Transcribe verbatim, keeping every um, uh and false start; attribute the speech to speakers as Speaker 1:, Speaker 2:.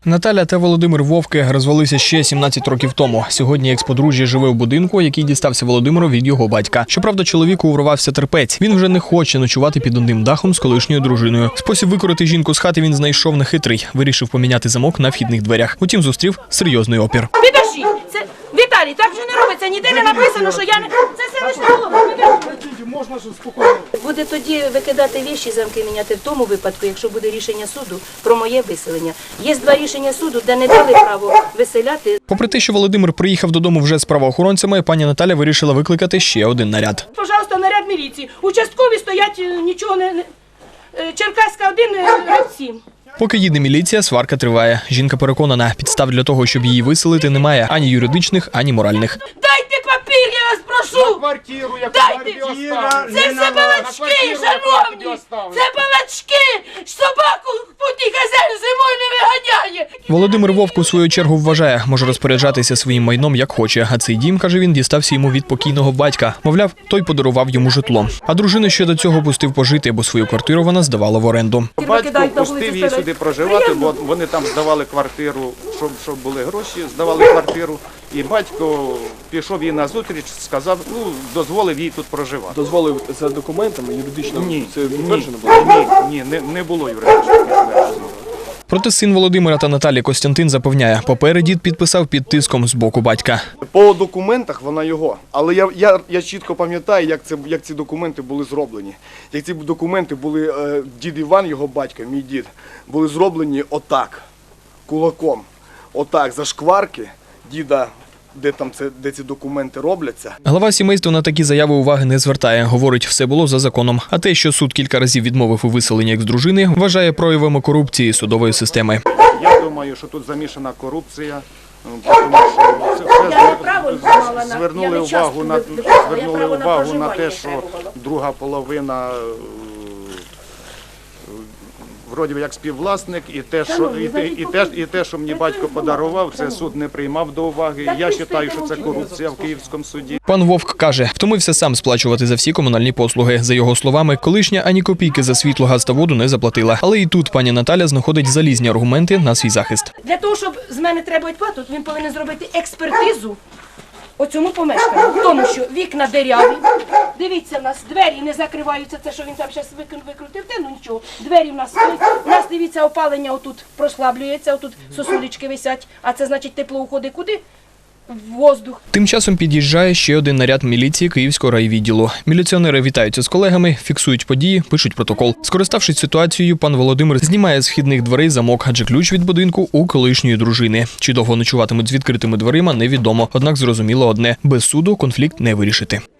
Speaker 1: Наталя та Володимир Вовки розвелися ще сімнадцять років тому. Сьогодні екс-подружжя живе в будинку, який дістався Володимиру від його батька. Щоправда, чоловіку урвався терпець. Він вже не хоче ночувати під одним дахом з колишньою дружиною. Спосіб викорити жінку з хати він знайшов нехитрий. Вирішив поміняти замок на вхідних дверях. Утім, зустрів серйозний опір.
Speaker 2: Підожди, це Віталій, так же не робиться. Ніде не написано, що я не це селищна голова.
Speaker 3: Можна ж спокійно.
Speaker 2: Буде тоді викидати віші, замки міняти в тому випадку, якщо буде рішення суду про моє виселення. Є два рішення суду, де не дали право виселяти.
Speaker 1: Попри те, що Володимир приїхав додому вже з правоохоронцями, пані Наталя вирішила викликати ще один наряд.
Speaker 2: Пожалуйста, наряд міліції. Участкові стоять, нічого не... не- Черкаська один, ряд сім.
Speaker 1: Поки їде міліція, сварка триває. Жінка переконана, підстав для того, щоб її виселити, немає ані юридичних, ані моральних.
Speaker 2: Дайте папір, я вас прошу!
Speaker 3: Квартиру, яку
Speaker 2: Дайте! Це все балачки, шановні! Це балачки! Собаку путній хазяїн зимою не виганяє!
Speaker 1: Володимир Вовк у свою чергу вважає, може розпоряджатися своїм майном як хоче. А цей дім, каже він, дістався йому від покійного батька. Мовляв, той подарував йому житло. А дружину ще до цього пустив пожити, бо свою квартиру вона здавала в оренду.
Speaker 3: Батько пустив її сюди проживати, бо вони там здавали квартиру, щоб, щоб були гроші, здавали квартиру. І батько пішов їй назустріч, сказав, ну, дозволив їй тут проживати.
Speaker 4: Дозволив за документами юридично?
Speaker 3: Ні,
Speaker 4: Це
Speaker 3: ні,
Speaker 4: підтверджено було?
Speaker 3: ні, ні, не, не було юридично підтверджено.
Speaker 1: Проте син Володимира та Наталі Костянтин запевняє, папери дід підписав під тиском з боку батька.
Speaker 5: По документах вона його, але я, я, я чітко пам'ятаю, як, це, як ці документи були зроблені. Як ці документи були, е, дід Іван, його батько, мій дід, були зроблені отак, кулаком, отак, за шкварки діда, де, там це, де ці документи робляться.
Speaker 1: Глава сімейства на такі заяви уваги не звертає. Говорить, все було за законом. А те, що суд кілька разів відмовив у виселенні екс-дружини, вважає проявами корупції судової системи.
Speaker 3: Я думаю, що тут замішана корупція, тому що це все
Speaker 2: Я право знала на- я
Speaker 3: звернули
Speaker 2: не часто
Speaker 3: увагу на,
Speaker 2: вибирала, я
Speaker 3: звернули
Speaker 2: право на
Speaker 3: увагу на
Speaker 2: проживання
Speaker 3: те,
Speaker 2: не
Speaker 3: що
Speaker 2: треба.
Speaker 3: друга половина е, вроді як співвласник, і те, що, і, те, і, те, і те, що мені батько подарував, це суд не приймав до уваги. Я вважаю, що це корупція в Київському суді.
Speaker 1: Пан Вовк каже, втомився сам сплачувати за всі комунальні послуги. За його словами, колишня ані копійки за світло, газ та воду не заплатила. Але і тут пані Наталя знаходить залізні аргументи на свій захист.
Speaker 2: Для того, щоб з мене треба плату, він повинен зробити експертизу у цьому помешканні. В тому, що вікна диряві, дивіться, в нас двері не закриваються, це що він там зараз викрутив, те, ну нічого, двері в нас стоять. У нас, дивіться, опалення отут прослаблюється, отут сосулечки висять, а це значить тепло уходить куди? В воздух.
Speaker 1: Тим часом під'їжджає ще один наряд міліції Київського райвідділу. Міліціонери вітаються з колегами, фіксують події, пишуть протокол. Скориставшись ситуацією, пан Володимир знімає з вхідних дверей замок, адже ключ від будинку у колишньої дружини. Чи довго ночуватимуть з відкритими дверима, невідомо. Однак зрозуміло одне – без суду конфлікт не вирішити.